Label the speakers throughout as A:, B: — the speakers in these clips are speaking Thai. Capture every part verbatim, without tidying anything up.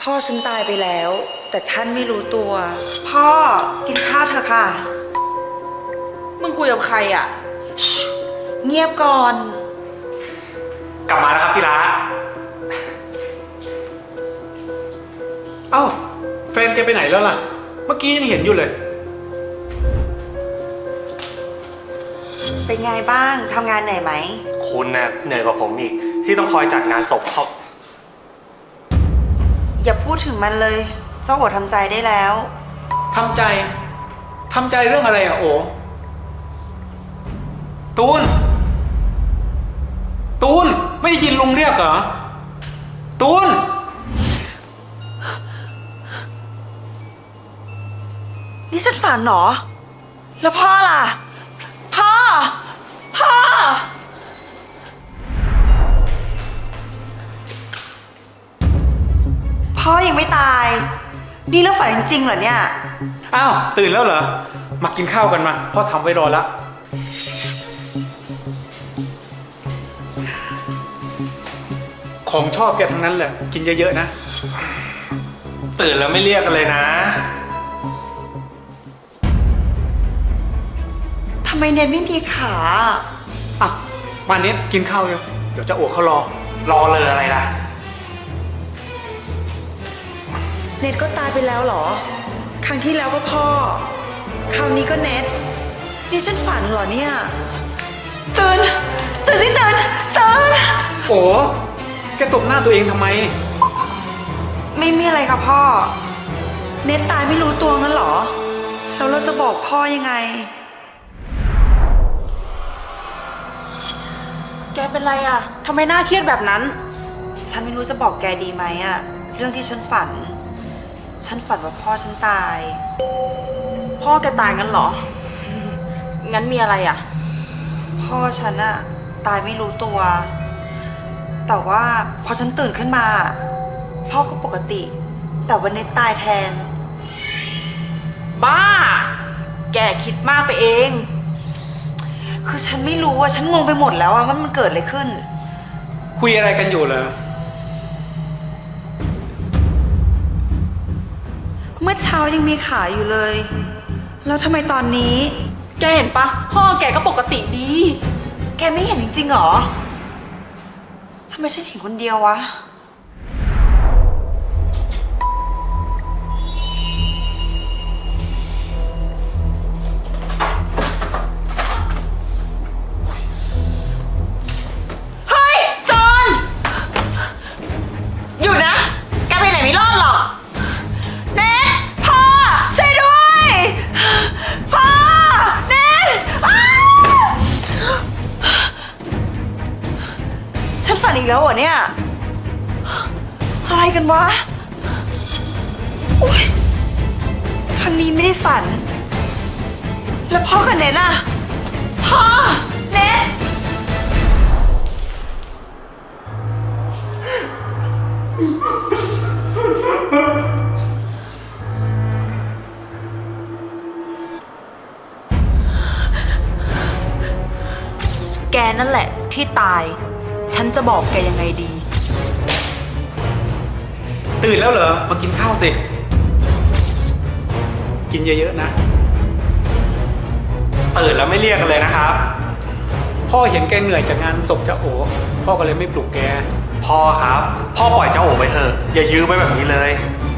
A: พ่อฉันตายไปแล้วแต่ท่านไม่รู้ตัวพ่อกินข้าวเถอะค่ะ
B: มึงคุยกับใครอ่ะ
A: เงียบก่อน
C: กลับมาแล้วครับที่รัก
D: เอ้าแฟนแกไปไหนแล้วล่ะเมื่อกี้ยังเห็นอยู่เลย
A: เป็นไงบ้างทำงานเหนื่อยไหม
C: คุณน่ะเหนื่อยกว่าผมอีกที่ต้องคอยจัดงานศพเขา
A: อย่าพูดถึงมันเลยเจ้าหัวทำใจได้แล้ว
D: ทำใจทำใจเรื่องอะไรอ่ะโอตูนตูนไม่ได้ยินลุงเรียกเหรอตูน
A: นี่ฉันฝันเหรอแล้วพ่อล่ะพ่อพ่อพ่อยังไม่ตายนี่เรื่องฝันจริงๆเหรอเนี่ย
D: อ้าวตื่นแล้วเหรอมากินข้าวกันมาพ่อทำไว้รอแล้วของชอบแกทั้งนั้นแหละกินเยอะๆนะ
C: ตื่นแล้วไม่เรียกกันเลยนะ
A: ทำไมเนทไม่มีขา
D: อ่ะมาเน็ตกินข้าวเร็วเดี๋ยวจะอวกเขารอ
C: รอเลยอะไรล่ะ
A: เนทก็ตายไปแล้วเหรอครั้งที่แล้วก็พ่อคราวนี้ก็เนทนี่ฉันฝันเหรอเนี่ยตื่นตื่นสิตื่นตื่น
D: โอ้แกตบหน้าตัวเองทำไม
A: ไม่มีอะไรค่ะพ่อเนทตายไม่รู้ตัวงั้นเหรอแล้วเราจะบอกพ่อยังไง
B: แกเป็นไรอ่ะทำไมหน้าเครียดแบบนั้น
A: ฉันไม่รู้จะบอกแกดีไหมอะเรื่องที่ฉันฝันฉันฝันว่าพ่อฉันตาย
B: พ่อแกตายงั้นเหรองั้นมีอะไรอ่ะ
A: พ่อฉันอะตายไม่รู้ตัวแต่ว่าพอฉันตื่นขึ้นมาพ่อก็ปกติแต่วันนี้ตายแทน
B: บ้าแกคิดมากไปเอง
A: คือฉันไม่รู้อะฉันงงไปหมดแล้วอะว่ามันเกิดอะไรขึ้น
D: คุยอะไรกันอยู่เหรอ
A: เมื่อเช้ายังมีขาอยู่เลยแล้วทำไมตอนนี้
B: แกเห็นปะพ่อแกก็ปกติดี
A: แกไม่เห็นจริงๆหรอทำไมฉันเห็นคนเดียววะเฮ้ยจอนอยู่นะแกไปไหนไม่รอดหรอกเนทพ่อช่วยด้วยพ่อเนทฉันฝันอีกแล้วเหรอเนี่ยอะไรกันวะอุ๊ยครั้งนี้ไม่ได้ฝันแล้วพ่อกับเนทล่ะพ่อเนท
B: แกนั่นแหละที่ตายฉันจะบอกแกยังไงดี
D: ตื่นแล้วเหรอมากินข้าวสิกินเยอะๆนะ
C: ตื่นแล้วไม่เรียกกันเลยนะครับ
D: พ่อเห็นแกเหนื่อยจากงานศพเจ้าโอพ่อก็เลยไม่ปลุกแก
C: พ่อครับพ่อปล่อยเจ้าโอ๋ไปเถอะอย่ายื้อไปแบบนี้เลย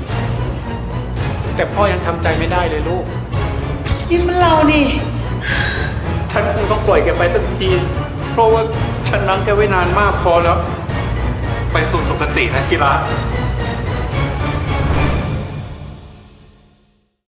D: แต่พ่อยังทำใจไม่ได้เลยลูก
A: นี่มันเรานี่
D: ฉันคงต้องปล่อยแกไปสักทีเพราะว่าฉันรักแกไว้นานมากพอแล้ว
C: ไปสู่สุคตินะที่รัก